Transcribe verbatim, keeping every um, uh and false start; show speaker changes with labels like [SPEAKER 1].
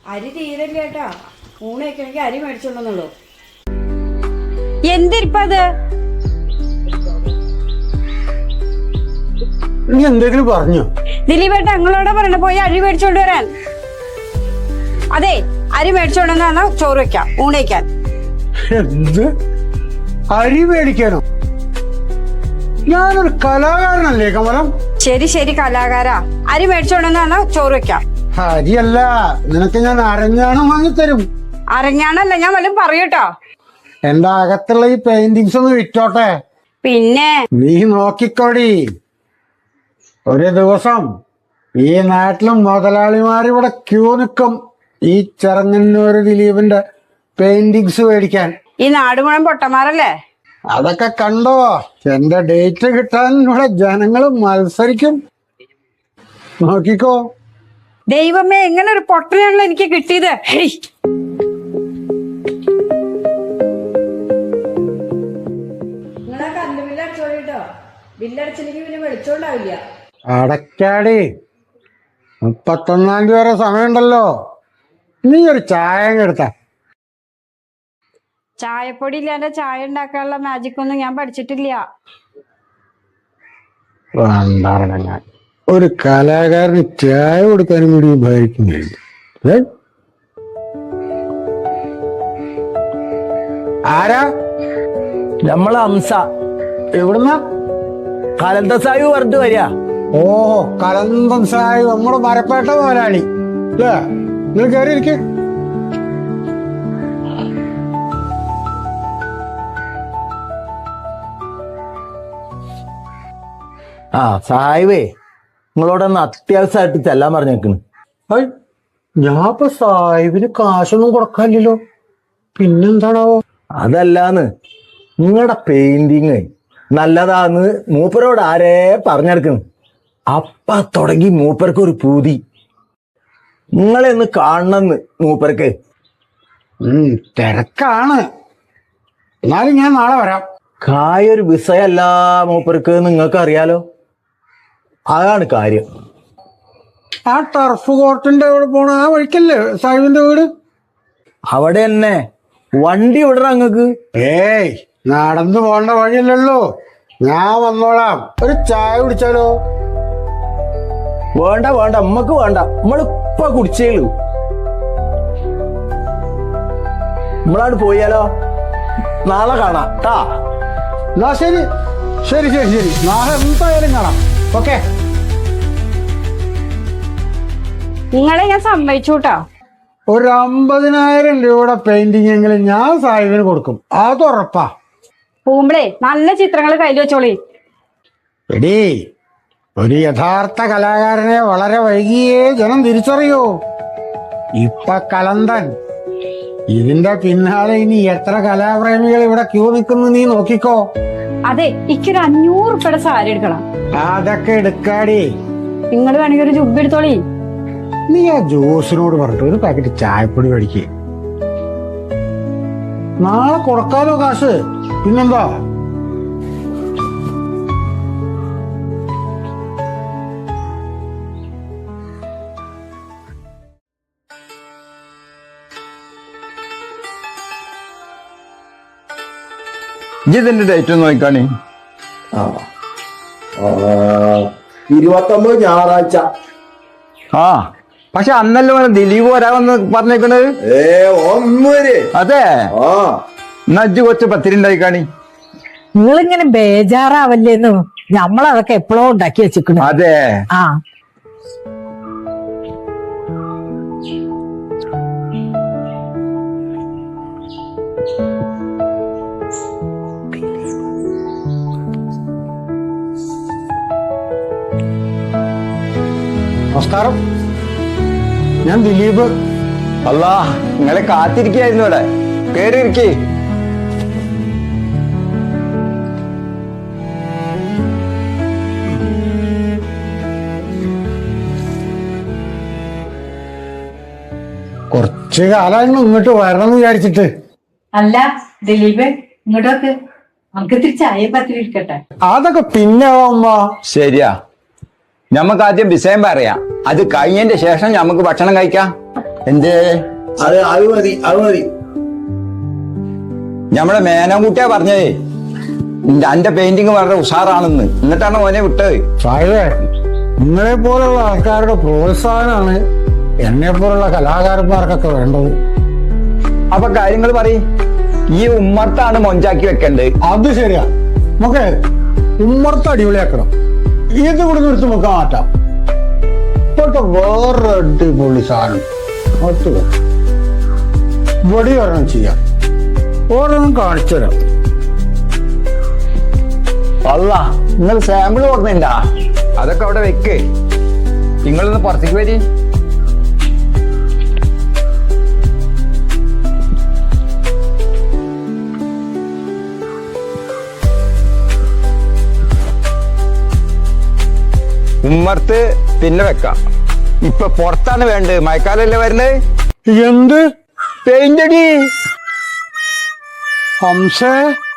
[SPEAKER 1] അരി തീരല്ല കേട്ടാ. ഊണ് വെക്കണമെങ്കിൽ അരി മേടിച്ചോണ്ടെന്നുള്ളൂ.
[SPEAKER 2] എന്തിരിപ്പത്?
[SPEAKER 3] നീ എന്തെങ്കിലും പറഞ്ഞോ?
[SPEAKER 2] ദിലീപേട്ട ഞങ്ങളോട് പറയണ പോയി അരി മേടിച്ചോണ്ട് വരാൻ. അതെ, അരി മേടിച്ചോണ്ടെന്നാ ചോറ് വെക്കാം, ഊണ് വയ്ക്കാൻ.
[SPEAKER 3] എന്ത് അരി മേടിക്കാനോ? ഞാനൊരു കലാകാരനല്ലേ കമലം?
[SPEAKER 2] ശരി ശരി കലാകാരാ, അരി മേടിച്ചോണ്ടെന്നാ ചോറ് വെക്കാം.
[SPEAKER 3] അരിയല്ല, നിനക്ക് ഞാൻ അരഞ്ഞാണം വാങ്ങിത്തരും.
[SPEAKER 2] അരഞ്ഞാണല്ല, ഞാൻ വല്ലതും പറയൂട്ടോ.
[SPEAKER 3] എന്റെ അകത്തുള്ള ഈ പെയിന്റിങ്സ് ഒന്ന് വിറ്റോട്ടെ.
[SPEAKER 2] പിന്നെ
[SPEAKER 3] നീ നോക്കിക്കോടി, ഒരു ദിവസം ഈ നാട്ടിലും മുതലാളിമാരിവിടെ ക്യൂ നിൽക്കും ഈ ചെറങ്ങന്നൂര് ദിലീപിന്റെ പെയിന്റിങ്സ് മേടിക്കാൻ.
[SPEAKER 2] ഈ നാട് മുഴുവൻ പൊട്ടന്മാരല്ലേ?
[SPEAKER 3] അതൊക്കെ കണ്ടോ? എന്റെ ഡേറ്റ് കിട്ടാൻ ഇവിടെ ജനങ്ങൾ മത്സരിക്കും, നോക്കിക്കോ.
[SPEAKER 2] ദൈവമേ, എങ്ങനെ ഒരു പൊട്ടനാണല്ലോ എനിക്ക് കിട്ടിയത്. ഹേയ്,
[SPEAKER 1] നിങ്ങളാ കറണ്ട് ബില്ല് അടിച്ചോളിട്ടോ. ബില്ലടിച്ചില്ലെങ്കിൽ പിന്നെ വെളിച്ചോണ്ടാവില്ല.
[SPEAKER 3] അടയ്ക്കാടി, മുപ്പത്തൊന്നാം തീയതി വരെ സമയമുണ്ടല്ലോ. നീ ഒരു ചായ എടുത്ത.
[SPEAKER 2] ചായപ്പൊടി ഇല്ലാണ്ട് ചായ ഉണ്ടാക്കാനുള്ള മാജിക് ഒന്നും ഞാൻ പഠിച്ചിട്ടില്ല.
[SPEAKER 3] ഞാൻ ഒരു കലാകാരന് ചായ കൊടുക്കാനും കൂടി ഉപയോഗിക്കുന്നില്ല. ആരാ?
[SPEAKER 4] നമ്മളെ ഹംസ.
[SPEAKER 3] എവിടുന്ന?
[SPEAKER 4] കലന്ത സാഹിബ് പറഞ്ഞിട്ട് വരിക.
[SPEAKER 3] ഓ, കലന്തം സാഹിബ്, നമ്മുടെ മരപ്പേട്ട മുതലാളി അല്ലേ? നിങ്ങൾ കയറി ഇരിക്ക.
[SPEAKER 4] ആ സാഹിബേ, നിങ്ങളോടൊന്ന് അത്യാവശ്യമായിട്ട് ചെല്ലാൻ പറഞ്ഞേക്കണ്.
[SPEAKER 3] ഞാൻ ഇപ്പൊ സാഹിബിന് കാശൊന്നും കൊടുക്കാനില്ലല്ലോ, പിന്നെന്താണാവോ?
[SPEAKER 4] അതല്ലാന്ന്, നിങ്ങളുടെ പെയിന്റിങ് നല്ലതാന്ന് മൂപ്പരോട് ആരേ പറഞ്ഞെടുക്കുന്നു. അപ്പ തുടങ്ങി മൂപ്പർക്ക് ഒരു പൂതി, നിങ്ങളെ ഒന്ന് കാണണമെന്ന് മൂപ്പർക്ക്.
[SPEAKER 3] ഉം തിരക്കാണ്, എന്നാലും ഞാൻ നാളെ വരാം.
[SPEAKER 4] കായൊരു വിസയല്ല മൂപ്പർക്ക്, നിങ്ങൾക്ക് അറിയാലോ. അതാണ് കാര്യം.
[SPEAKER 3] ആ ടർഫ് കോർട്ടിന്റെ അവിടെ പോണ ആ വഴിക്കല്ലേ സാഹിബിന്റെ വീട്?
[SPEAKER 4] അവിടെ തന്നെ വണ്ടി വിടറ അങ്ങക്ക്.
[SPEAKER 3] ഏയ്, നടന്നു പോണ്ട വഴിയല്ലല്ലോ, ഞാൻ വന്നോളാം. ഒരു ചായ കുടിച്ചാലോ?
[SPEAKER 4] വേണ്ട വേണ്ട, നമ്മക്ക് വേണ്ട, നമ്മളിപ്പ കുടിച്ചേളൂ. നമ്മളാണ് പോയാലോ? നാളെ കാണാം ട്ടാ.
[SPEAKER 3] എന്നാ ശരി ശരി ശരി ശരി നാളെ എന്തായാലും കാണാം. ഓക്കെ.
[SPEAKER 2] നിങ്ങളെ ഞാൻ സമ്മതിച്ചു കേട്ടോ.
[SPEAKER 3] ഒരു അമ്പതിനായിരം രൂപയുടെ പെയിന്റിംഗ് എങ്കിലും ഞാൻ സാഹിബിന് കൊടുക്കും, അത് ഉറപ്പാ.
[SPEAKER 2] പോകുമ്പളേ നല്ല ചിത്രങ്ങൾ കയ്യിൽ വെച്ചോളി.
[SPEAKER 3] എടീ, ഒരു യഥാർത്ഥ കലാകാരനെ വളരെ വൈകിയേ ജനം തിരിച്ചറിയൂ. ഇപ്പൊ കലന്തൻ, ഇതിന്റെ പിന്നാലെ ഇനി എത്ര കലാപ്രേമികൾ ഇവിടെ ക്യൂ നിൽക്കുന്നു നീ നോക്കിക്കോ.
[SPEAKER 2] അതെ, എനിക്കൊരു അഞ്ഞൂറ് ഉറുപ്പയുടെ സാരി എടുക്കണം.
[SPEAKER 3] അതൊക്കെ എടുക്കാടി.
[SPEAKER 2] നിങ്ങൾ വേണമെങ്കിൽ ഒരു ജുബ്ബ എടുത്തോളി.
[SPEAKER 3] നീ ആ ജോസിനോട് പറഞ്ഞിട്ട് ഒരു പാക്കറ്റ് ചായപ്പൊടി മേടിക്കേ. നാളെ കൊടുക്കാലോ കാശ്, പിന്നെന്താ.
[SPEAKER 5] ഇതിന്റെ ഡേറ്റ് ഒന്ന് നോക്കാണേ.
[SPEAKER 4] ഇരുപത്തൊമ്പത് ഞായറാഴ്ച.
[SPEAKER 5] ആ, പക്ഷെ അന്നല്ലേ ദിലീപ് വരാമെന്ന് പറഞ്ഞേക്കണത്.
[SPEAKER 4] ഏ ഒന്നൂര്.
[SPEAKER 5] അതെ, എന്നാ അജ്ജ് കൊച്ചു പത്തിരി ഉണ്ടായിക്കാണി.
[SPEAKER 6] നിങ്ങളിങ്ങനെ ബേജാറാവല്ലേന്നു, നമ്മളതൊക്കെ എപ്പോഴോ ഉണ്ടാക്കി വെച്ചിക്കണു.
[SPEAKER 5] അതെ,
[SPEAKER 6] ആ
[SPEAKER 3] നമസ്കാരം, ഞാൻ ദിലീപ്.
[SPEAKER 5] അല്ല, നിങ്ങളെ കാത്തിരിക്കായിരുന്നു ഇവിടെ. കേറി ഇരിക്കേ.
[SPEAKER 3] കുറച്ച് കാലമായിരുന്നു ഇങ്ങോട്ട് വരണം എന്ന് വിചാരിച്ചിട്ട്.
[SPEAKER 6] അല്ല ദിലീപ്, ഇങ്ങോട്ടൊക്കെ നമുക്ക് ഇത്തിരി ചായ പത്തിരി ഇരിക്കട്ടെ.
[SPEAKER 3] അതൊക്കെ പിന്നെ അമ്മ.
[SPEAKER 5] ശരിയാ, ഞമ്മക്ക് ആദ്യം വിഷയം പറയാം, അത് കഴിഞ്ഞതിന്റെ ശേഷം ഞമ്മക്ക് ഭക്ഷണം കഴിക്കാം. എന്തേ
[SPEAKER 4] അത് അത് മതി അത് മതി.
[SPEAKER 5] ഞമ്മടെ മേനംകുട്ടിയാ പറഞ്ഞേ എന്റെ പെയിന്റിങ് വളരെ ഉഷാറാണെന്ന്, എന്നിട്ടാണ് മോനെ വിട്ടത്.
[SPEAKER 3] സാഹിബേ, നിങ്ങളെ പോലുള്ള ആൾക്കാരുടെ പ്രോത്സാഹനമാണ് എന്നെ പോലുള്ള കലാകാരന്മാർക്കൊക്കെ വേണ്ടത്.
[SPEAKER 5] അപ്പൊ കാര്യങ്ങൾ പറയും. ഈ ഉമ്മർത്താണ് മൊഞ്ചാക്കി വെക്കേണ്ടത്.
[SPEAKER 3] അത് ശരിയാ. നമുക്ക് ഉമ്മർത്ത് അടിപൊളിയാക്കണം. ഇത് ഇവിടെ നിർത്തി നമുക്ക് മാറ്റാം. ഇപ്പോഴത്തെ വേറൊരു അടിപൊളി സാധനം ഒത്തു ഇവിടെ ഒരെണ്ണം ചെയ്യാം. ഓരോന്നും കാണിച്ചു തരാം.
[SPEAKER 5] അല്ല, നിങ്ങൾ സാമ്പിൾ കൊടുക്കണ്ടാ? അതൊക്കെ അവിടെ വെക്ക്. നിങ്ങളൊന്ന് പുറത്തേക്ക് വരി. ഉമ്മർത്ത് പിന്നെ വെക്കാം. ഇപ്പൊ പുറത്താണ് വേണ്ടത്. മഴക്കാലല്ലേ വരുന്നത്.
[SPEAKER 3] എന്ത്
[SPEAKER 5] പെയിന്റ് അടി
[SPEAKER 3] ഹംസേ?